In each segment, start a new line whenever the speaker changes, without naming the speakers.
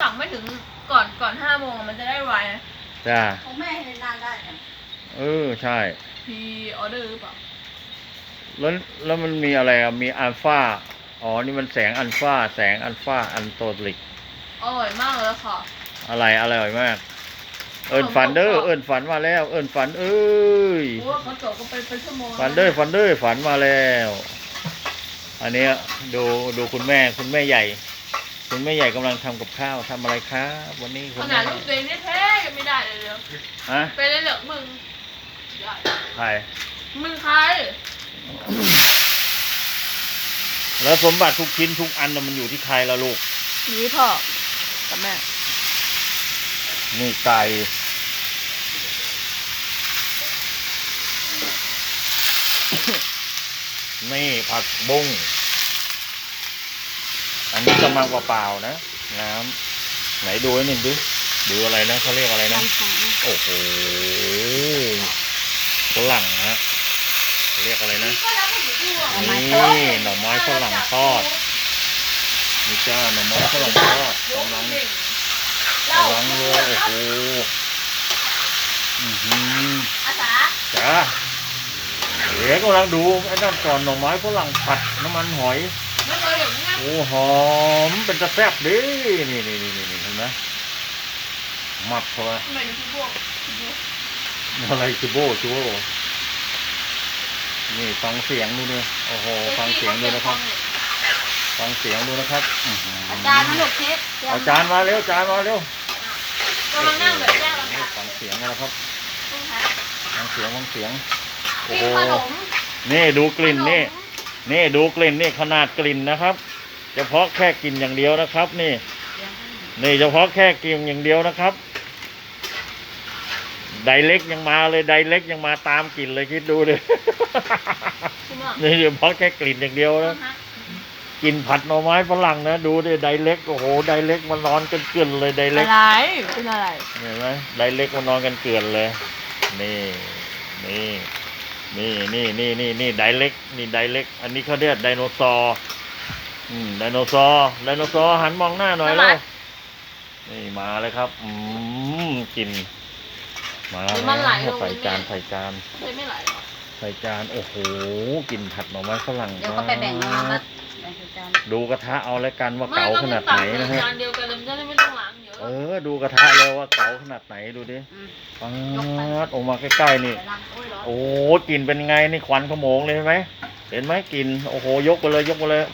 สั่งไม่ถึงก่อน5 โมงมันจะได้ไว
จ้า
ของแม่ให้นานได้
ใช่
พีออเดอร์หรือเปล่า
แล้วมันมีอะไรอ่ะมีอัลฟาอ๋อนี่มันแสงอัลฟาอันโตลิก
อร่อยมากเลยค่ะ
อะไรอร่อยมากเอิญฝันเด้อเอิญฝันมาแล้วเอิญฝันเอ้ย
โอ้เขาจบก็เป็นชั่วโมง
ฝันเด้อฝันมาแล้วอันนี้ดูคุณแม่ใหญ่คุณแม่ใหญ่กำลังทำกับข้าวทำอะไรครับวันนี้
ขนาดลูกตัวเองแท้ๆยังไม่ได้เลย
ฮะ
ไปเลยเหรอมึง
ใคร
มึงใคร
แล้วสมบัติทุกชิ้นทุกอันมันอยู่ที่ใครละลูก
นี่พ่อกับแม่
นี่ไก่นี่ผักบุ้งอันนี้กำลังเปล่าๆนะน้ำไหนดูให้หนึ่งดูอะไรนะเขาเรียกอะไรนะโอ้โหฝรั่งฮะเรียกอะไรนะนี่หน่อไม้ฝรั่งทอดนี่จ้าหน่อไม้ฝรั่งทอดกำลังเลยโอ้โหจ้าเดี๋ยวกำลังดูไอ้นั่นก่อนหน่อไม้ฝรั่งผัดน้ำมันหอยโอ้หอมเป็นตะแซ่บดินี่เห็นไหมหมักเข้าไปอะไรจูโบนี่ฟังเสียงดูเลยโอ้โหฟังเสียงดูนะครับฟังเสียงดูนะครับ
อาจารย์มาลูกเชฟ
เอาจานมาเร็ว
กำลังนั่งแบบแรก
ฟังเสียงนะครับฟังเสียงโอ้โห
ขนม
นี่ดูกลิ่นนี่ดูกลิ่นนี่ขนาดกลิ่นนะครับเฉพาะแค่กลิ่นอย่างเดียวนะครับนี่เฉพาะแค่กลิ่นอย่างเดียวนะครับไดเล็กยังมาเลยไดเล็กยังมาตามกลิ่นเลยคิดดูเลยนี่เฉพาะแค่กลิ่นอย่างเดียวนะกินผัดหน่อไม้ฝรั่งนะดูดิไดเล็กโอ้โหไดเล็กมันนอนกันเกลื่อนเลยไดเล็ก
อะไรเป็นอะไร
เห็นไหมไดเล็กมันนอนกันเกลื่อนเลยนี่ไดเล็กอันนี้เขาเรียกไดโนเสาร์ไดโนเสาร์หันมองหน้าหน่อยแล้วนี่มาเลยครับกินมาใส่จานใส่จานโอ้โหกินผัดหน่อไม้ฝรั่ง
เดี๋ยวก็ไปแบ่งมา
ดูกระทะเอาแล้วกันว่าเก๋าขนาดไหนนะฮะ
จานเดียวกันเลยไม่ต้องล้างเยอะ
ดูกระทะแล้วว่าเก๋าขนาดไหนดูดิออกมาใกล้ๆนี่โอ้กลิ่นเป็นไงนี่ควันขโมงเลยไหมเห็นไหมกลิ่นโอ้โหยกไปเลย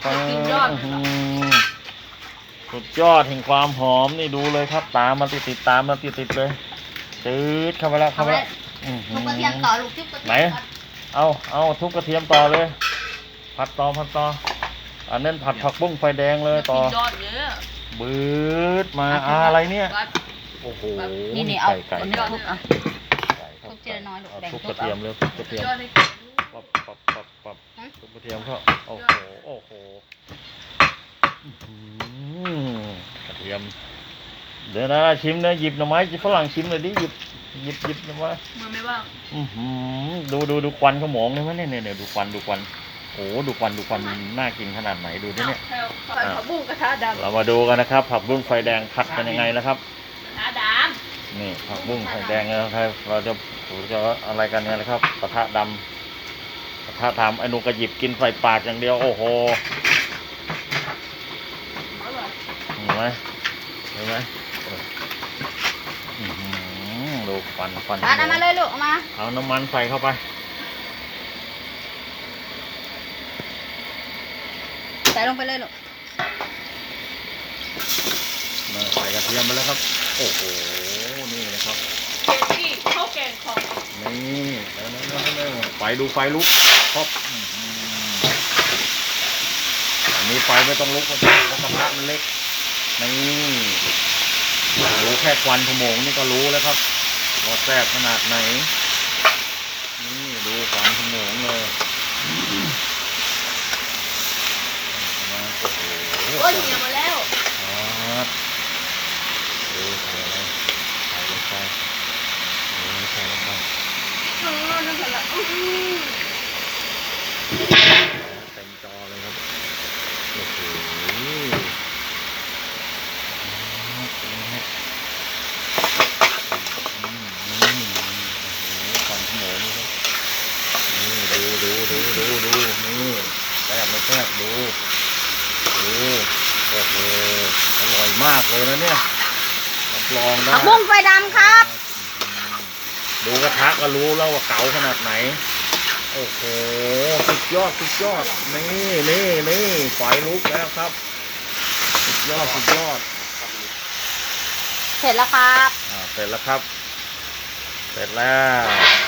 สุดยอดแห่งความหอมนี่ดูเลยครับตามมาติดเลยจืดเข้าไปแล้ว
ทุบกระเทียมต่อลูกทุบกระเทียม
ไหนเอาทุบกระเทียมต่อเลยผัดต่ออันนั้นผัดผักบุ้งไฟแดงเลยต่อบืดมาอะไรเนี่ยโอ้โห
นี่เอาไก่ทุบเจน้อยลูก
ทุบกระเทียมเลยทุบกระเทียมทุบกระเทียมเขาโอ้โหกระเทียมเดี๋ยวนะชิมนะหยิบหน่อไม้ฝรั่งชิมเลยดิหยิบหน่อไม้
มือไม่ว่าง
ดูควันขโมงเลยไหมเนี่ยดูควันโอ้ดูควันน่ากินขนาดไหนดูดิเนี่ย
ผักบุ้งกระทะดำ
เรามาดูกันนะครับผักบุ้งไฟแดงผัดเป็นยังไงนะครับ
กระทะด
ำนี่ผักบุ้งไฟแดงนะครับเราจะอะไรกันเนี่ยนะครับกระทะดำกระทะทำไอ้นุกระหยิบกินใส่ปากอย่างเดียวโอ้โหเห็นไหมดูควัน
เอามาเลยลูก
เอาน้ำมันใส่เข้าไป
ใส่ลงไปเลยลูก
ใส่กระเทียมไปแล้วครับโอ้โหนี่นะครับ
นี่ข้าวแกงของ
นี่แล้วไฟลุกครบอันนี้ไฟไม่ต้องลุกเพราะกระทะมันเล็กนี่รู้แค่ควันขโมงนี่ก็รู้แล้วครับว่าแซ่บขนาดไหนนี่ดูควันขโมงเลย
โอ้ยเหนียวมาแล้ว
ครับใส่ลงไป
น้ำผึ้งละ
เต็มจอเลยครับโอ้โหแซ่บดูโอ้โหอร่อยมากเลยนะเนี่ยรับรองได้
ผักบุ้งไฟดำครับ
ดูกระทะก็รู้แล้วว่าเก๋าขนาดไหนโอ้โหสุดยอดนี่ไฟลุกแล้วครับสุดยอด
เสร็จแล้วครับ
เสร็จแล้วครับ เสร็จแล้ว